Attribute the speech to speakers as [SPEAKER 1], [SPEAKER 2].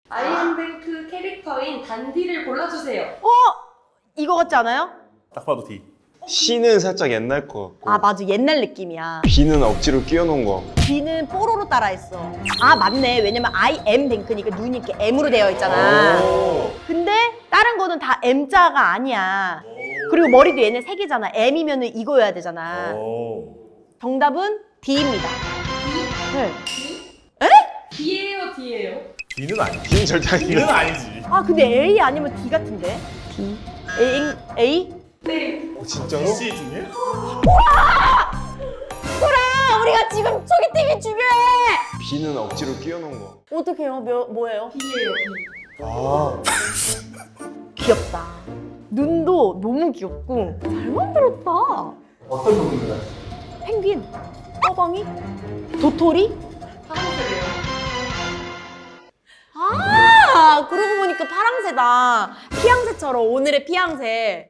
[SPEAKER 1] 아이언뱅크 캐릭터인 단디를 골라주세요.
[SPEAKER 2] 이거 같지 않아요?
[SPEAKER 3] 딱 봐도 D.
[SPEAKER 4] C는 살짝 옛날 거 같고
[SPEAKER 2] 아 맞아, 옛날 느낌이야.
[SPEAKER 4] B는 억지로 끼워놓은 거.
[SPEAKER 2] B는 뽀로로 따라했어. 아 맞네, 왜냐면 I am 뱅크니까 눈이 이렇게 M으로 되어 있잖아. 근데 다른 거는 다 M자가 아니야. 그리고 머리도 얘네 세 개잖아. M이면 이거여야 되잖아. 정답은 D입니다. 네.
[SPEAKER 1] D예요, D예요.
[SPEAKER 3] D는 아니지.
[SPEAKER 4] D는 절대
[SPEAKER 3] D는
[SPEAKER 4] 아니야.
[SPEAKER 3] 아니지.
[SPEAKER 2] 아 근데 A 아니면 D 같은데? D. A?
[SPEAKER 1] 네.
[SPEAKER 4] 진짜로?
[SPEAKER 3] C 중에?
[SPEAKER 2] 그래! 우리가 지금 소개팅이 중요해!
[SPEAKER 4] B는 억지로 끼워놓은 거.
[SPEAKER 2] 어떻게 해요? 뭐예요?
[SPEAKER 1] D예요, D.
[SPEAKER 4] 아.
[SPEAKER 2] 귀엽다. 눈도 너무 귀엽고 잘 만들었다.
[SPEAKER 5] 어떤 부분인가요?
[SPEAKER 2] 펭귄, 떠벙이, 도토리.
[SPEAKER 1] 파란색이에요.
[SPEAKER 2] 아, 그러고 보니까 파랑새다. 피양새처럼 오늘의 피양새.